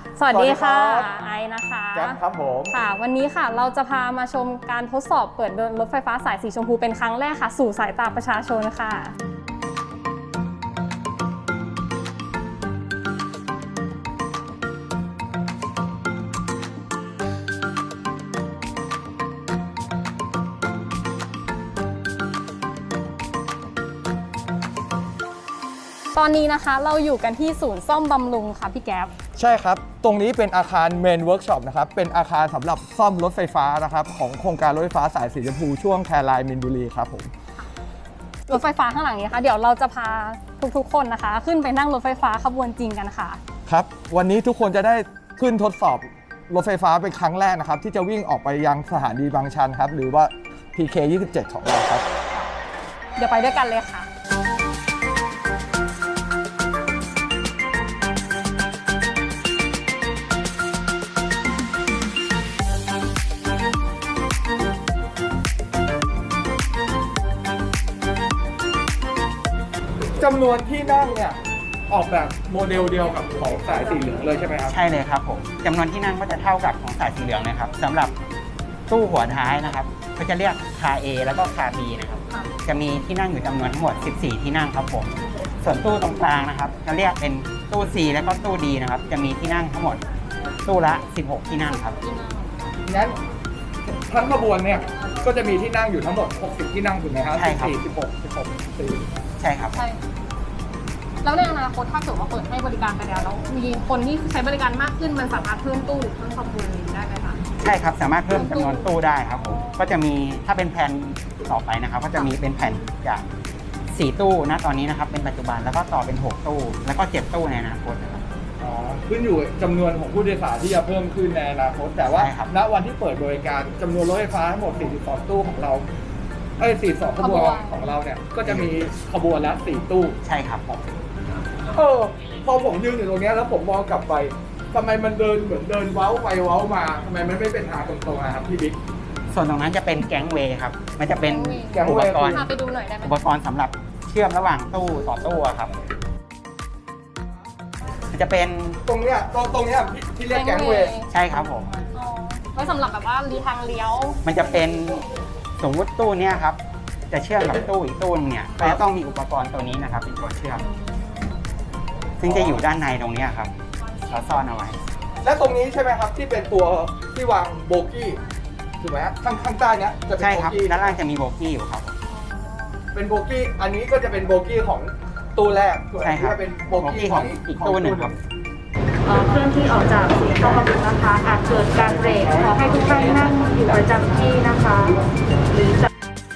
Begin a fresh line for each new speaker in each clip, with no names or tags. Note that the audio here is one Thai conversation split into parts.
สวัสดีค่ะไอนะคะ
แจ๊บครับผม
ค่ะวันนี้ค่ะเราจะพามาชมการทดสอบเปิดเดินรถไฟฟ้าสายสีชมพูเป็นครั้งแรกค่ะสู่สายตาประชาชนค่ะตอนนี้นะคะเราอยู่กันที่ศูนย์ซ่อมบำรุงค่ะพี่แก๊ป
ใช่ครับตรงนี้เป็นอาคารเมนเวิร์กช็อปนะครับเป็นอาคารสำหรับซ่อมรถไฟฟ้านะครับของโครงการรถไฟฟ้าสายสีชมพูช่วงแคไลน์มินบุรีครับผม
รถไฟฟ้าข้างหลังนี้ค่ะเดี๋ยวเราจะพาทุกๆคนนะคะขึ้นไปนั่งรถไฟฟ้าขบวนจริงกันค่ะ
ครับวันนี้ทุกคนจะได้ขึ้นทดสอบรถไฟฟ้าเป็นครั้งแรกนะครับที่จะวิ่งออกไปยังสถานีบางชันครับหรือว่า PK 27ของเราครับ
เดี๋ยวไปด้วยกันเลยค่ะ
จำนวนที่นั่งเนี่ยออกแบบโมเดลเดียวกับของสายสีเหลืองเลยใช่ไหมครับ
ใช่เลยครับผมจำนวนที่นั่งก็จะเท่ากับของสายสีเหลืองนะครับสำหรับตู้หัวท้ายนะครับก็จะเรียกคา A แล้วก็คา B นะครับจะมีที่นั่งอยู่จำนวนทั้งหมด14ที่นั่งครับผมส่วนตู้ตรงกลางนะครับจะเรียกเป็นตู้ C แล้วก็ตู้ D นะครับจะมีที่นั่งทั้งหมดตู้ละ16ที่นั่งครับ
งั้นทั้งขบวนเนี่ยก็จะมีที่นั่งอยู่ทั้งหมด60ที่นั่งถูกไหมครับ
ใช่ครับ
16
ใช่ครับ
ใช่แล้วในอนาคตถ้าเกิดว่าเปิดให้บริการไปแล้วมีคนที่ใช้บริการมากขึ้นมันสามารถเพิ่มตู้หรือเพิ่มขบวนได้ไหมคะ
ใช่ครับสามารถเพิ่มจำนวนตู้ได้ครับผมก็จะมีถ้าเป็นแผนต่อไปนะครับก็จะมีเป็นแผนจาก4ตู้นะตอนนี้นะครับเป็นปัจจุบันแล้วก็ต่อเป็น6ตู้แล้วก็7ตู้ในอนาคตนะครับ
ขึ้นอยู่จำนวนของผู้โดยสารที่จะเพิ่มขึ้นในอนาคตแต่ว่าณวันที่เปิดบริการจำนวนรถไฟฟ้าทั้งหมด42ตู้ของเรา42ขบวนของเราเนี่ยก็จะมีขบวนละ4ตู้
ใช่ครับ
พอผมยืนอยู่ตรงนี้แล้วผมมองกลับไปทำไมมันเดินเหมือนเดินเว้าไปเว้ามาทำไมมันไม่เป็นทางตรงๆนะครับพี่บิ๊ก
ส่วนตรงนั้นจะเป็นแก๊งเวย์ครับมันจะเป็นอุปกรณ์
ไปดูหน่อยได้ไหม
อุปกรณ์สำหรับเชื่อมระหว่างตู้ต่อตู้ครับมันจะเป็น
ตรงเนี้ยที่เรียกแก๊งเวย์
ใช่ครับผม
ไว้สำหรับแบบว่าทางเลี้ยว
มันจะเป็นสมมติตู้เนี้ยครับจะเชื่อมกับตู้อีกตู้เนี่ยก็จะต้องมีอุปกรณ์ตัวนี้นะครับเป็นตัวเชื่อมซึ่งจะอยู่ด้านในตรงนี้ครับเราซ่อนเอาไว้
และตรงนี้ใช่ไหมครับที่เป็นตัวที่วางโบกี้ถูกไหมข้างใต้เนี้ยจะเป็น
ใช่ครับด้านล่างจะมีโบกี้อยู่ครับ
เป็นโบกี้อันนี้ก็จะเป็นโบกี้ของตู้แรก
ใช่ครับ
เป็นโบกี้ของ
อีกตู้หนึ่งครับ
เคลื่อนที่ออกจากศูนย์ซ่อมบำรุงนะคะอาจเกิดการเบรกขอให้ทุกท่านนั่งอยู่ประจำที่นะคะหรือจะ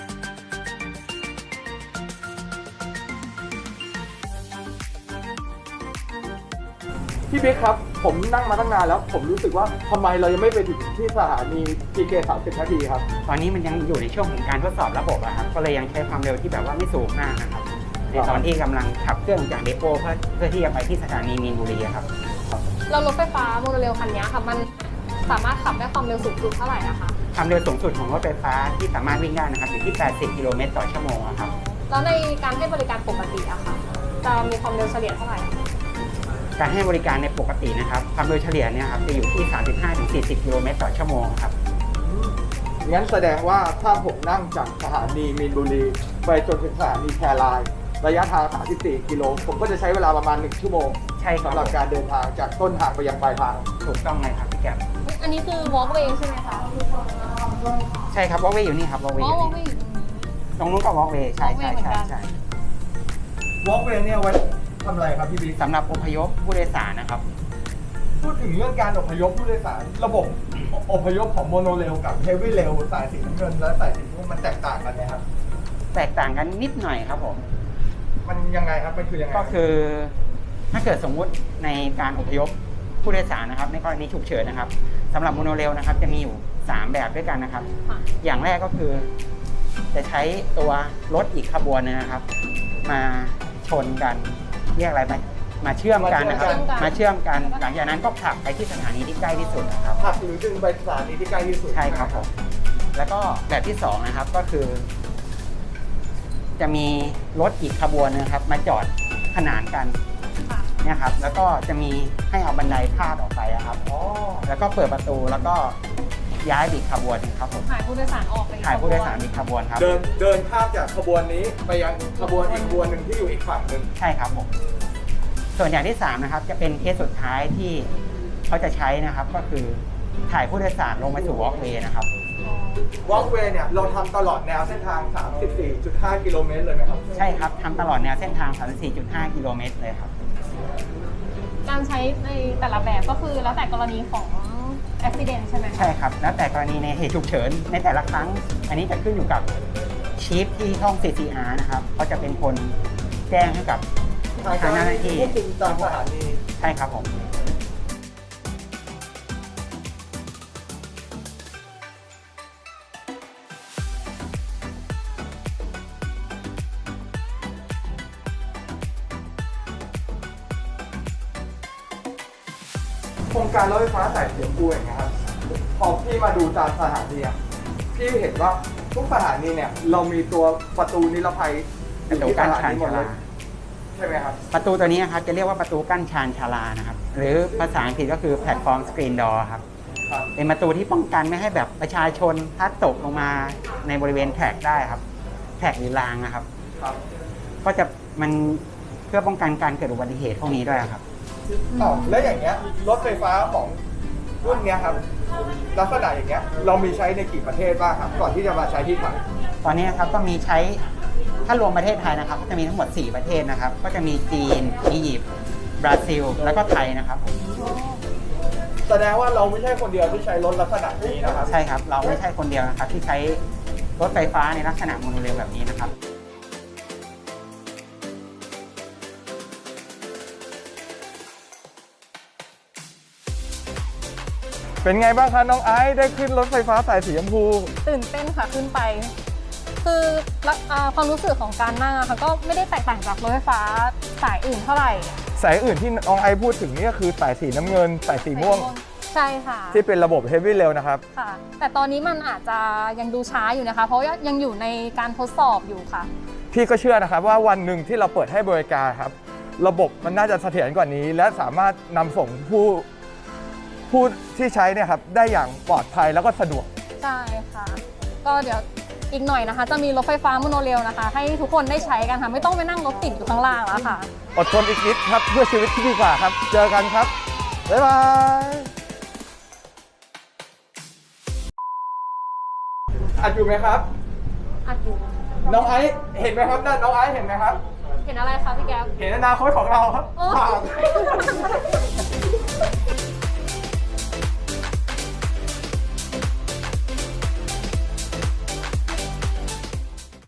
พี่บิ๊กครับผมนั่งมาตั้งนานแล้วผมรู้สึกว่าทำไมเรายังไม่ไปถึงที่สถานี PK 30 นาทีครับ
ตอนนี้มันยังอยู่ในช่วงของการทดสอบระบบครับก็เลยยังใช้ความเร็วที่แบบว่าไม่สูงมากนะครับในตอนที่กำลังขับเครื่องจากเดโปเพื่อที่จะไปที่สถานีมีนบุรีครับ
เรารถไฟฟ้าโมโนเรลคันนี้ค่ะมันสามารถขับได้ความเร็วสูงสุดเท่าไหร่นะคะ
ความเร็วสูงสุดของรถไฟฟ้าที่สามารถวิ่งได้นะครับอยู่ที่80 กิโลเมตรต่อชั่วโมงครับ
แล้วในการให้บริการปกติอะค่ะจะมีความเร็วเฉลี่ยเท่าไหร่
การให้บริการในปกตินะครับความเร็วเฉลี่ยเนี่ยครับจะอยู่ที่ 35-40 กิโลเมตรต่อชั่วโมงครับ
งั้นแสดงว่าถ้าผมนั่งจากสถานีมีนบุรีไปจนถึงสถานีแคไลน์ระยะทาง34 กิโลผมก็จะใช้เวลาประมาณ1ชั่วโมง
ใช่ครับ
สำหรับการเดินทางจากต้นทางไปยังปลายทาง
ถูกต้องเลยครับพี่แก้ม
อันนี้คือ walkway ใช่ไหมคะ
ใช่ครับ walkway อยู่นี่ครับ walkway ตรงนู้นก็ walkway ใช่
walkway เนี่ยไว้ทำอะไรครับพี่บิ๊ก
สำหรับอพยพผู้โดยสารนะครับ
พูดถึงเรื่องการอพยพผู้โดยสารระบบอพยพของโมโนเรลกับเฮฟวี่เรลสายสีน้ำเงินและสายสีม่วงมันแตกต่างกันไหมครับ
แตกต่างกันนิดหน่อยครับผม
มันยังไงครับมันคือยังไง
ก็คือถ้าเกิดสมมุติในการอพยพผู้โดยสารนะครับในกรณีฉุกเฉินนะครับสำหรับโมโนเรลนะครับจะมีอยู่3แบบด้วยกันนะครับอย่างแรกก็คือจะใช้ตัวรถอีกขบวนนึงนะครับมาชนกันเรียกอะไรมาเชื่อมกันนะครับมาเชื่อมกันหลังจากนั้นก็ผลักไปที่สถานีที่ใกล้ที่สุดนะครับ
ผลักหรือดึงไปสถานีที่ใกล้ที่สุด
ใช่ครับผมแล้วก็แบบที่2นะครับก็คือจะมีรถอีกขบวนนะครับมาจอดขนานกันเนี่ยครับแล้วก็จะมีให้เอาบันไดพาดออกไปอะครับ
อ๋อ
แล้วก็เปิดประตูแล้วก็ย้ายอีกขบวนครับผม
ถ่ายผู้โดยสารออกไปอีก
ถ่ายผู้โดยสารอีกขบวนครับ
เดินข้ามจากขบวนนี้ไปยังขบวนอีกขบวนหนึ่งที่อยู่อีกฝั่งหนึ่ง
ใช่ครับผมส่วนอย่างที่3นะครับจะเป็นเคสสุดท้ายที่เขาจะใช้นะครับก็คือถ่ายผู้โดยสารลงมาสู่วอล์กเวย์นะครับ
วอล์กเวย์เนี่ยเราทำตลอดแนวเส้นทาง 34.5 กิโลเมตรเลยไหมครับ
ใช่ครับทำตลอดแนวเส้นทาง 34.5 กิโลเมตรเลยครับ
การใช้ในแต่ละแบบก็คือแล้วแต่กรณีของอุบัติเหตุใช่ไหมคะ
ใช่ครับ แล้วแต่กรณีในเหตุฉุกเฉินในแต่ละครั้ง อันนี้จะขึ้นอยู่กับชีฟที่ห้อง CCR นะครับเขาจะเป็นคนแจ้งให้กับทางเจ้าหน้าที่
ควบคุมตามสถานี
ใช่ครับผม
โครงการรถไฟฟ้าสายสีชมพูอย่างเงี้ยครับพอพี่มาดูตามสถานีอะพี่เห็นว่าทุกสถานีเนี่ยเรามีตัวประตูนิรภัยอยู่ที่สถานีหมดเลยใช่ไหมครับ
ประตูตัวนี้นะครับจะเรียกว่าประตูกั้นชานชาลานะครับ หรือภาษาอังกฤษก็คือแพลตฟอร์มสกรีนดอร์ครับ
ครับ
เป็นประตูที่ป้องกันไม่ให้แบบประชาชนพลัดตกลงมาในบริเวณแทร็กได้ครับแทร็กหรือรางนะครับ
ครับ
ก็จะมันเพื่อป้องกันการเกิดอุบัติเหตุพวกนี้ด้วยครับ
อ๋อแล้วอย่างเงี้ยรถไฟฟ้าของรุ่นเนี้ยครับลักษณะอย่างเงี้ยเรามีใช้ในกี่ประเทศบ้างครับ ก่อนที่จะมาใช้ที่ไทย
ตอนนี้นะครับก็มีใช้ถ้ารวมประเทศไทยนะครับก็จะมีทั้งหมด 4 ประเทศนะครับ ก็จะมีจีนอียิปต์บราซิล แล้วก็ไทยนะครับผม
แสดงว่าเราไม่ใช่คนเดียวที่ใช้รถลักษณะนี้นะครับ
ใช่ครับเราไม่ใช่คนเดียวนะครับที่ใช้รถไฟฟ้าในลักษณะโมโนเรลแบบนี้นะครับ
เป็นไงบ้างคะน้องไอซ์ได้ขึ้นรถไฟฟ้าสายสีชมพู
ตื่นเต้นค่ะขึ้นไป คือความรู้สึกของการนั่งอะค่ะก็ไม่ได้แตกต่างจากรถไฟฟ้าสายอื่นเท่าไหร่
สายอื่นที่น้องไอซ์พูดถึงนี่ก็คือสายสีน้ำเงินสายสีม่วง
ใช่ค่ะ
ที่เป็นระบบ Heavy Rail นะครับ
ค่ะ แต่ตอนนี้มันอาจจะยังดูช้าอยู่นะคะ เพราะยังอยู่ในการทดสอบอยู่ค่ะ
พี่ก็เชื่อนะครับว่าวันหนึ่งที่เราเปิดให้บริการครับ ระบบมันน่าจะเสถียรกว่านี้ และสามารถนำส่งผู้ที่ใช้เนี่ยครับได้อย่างปลอดภัยแล้วก็สะดวก
ใช่ค่ะ ก็เดี๋ยวอีกหน่อยนะคะ จะมีรถไฟฟ้าโมโนเรลนะคะ ให้ทุกคนได้ใช้กันค่ะ ไม่ต้องไปนั่งรถติดอยู่ข้างล่างแล้วค่ะ
อดทนอีกนิดครับเพื่อชีวิตที่ดีกว่าครับ เจอกันครับ บ๊ายบาย อัดอยู่ไหมครับ
อัดอยู่
น้องไอซ์เห็นไหมครับนั่นน้องไอซ์เห็นไหมครับ
เห็นอะไรคะพี่แก๊ป
เห็นอนาคตของเราครับ
โอ้
ฝาก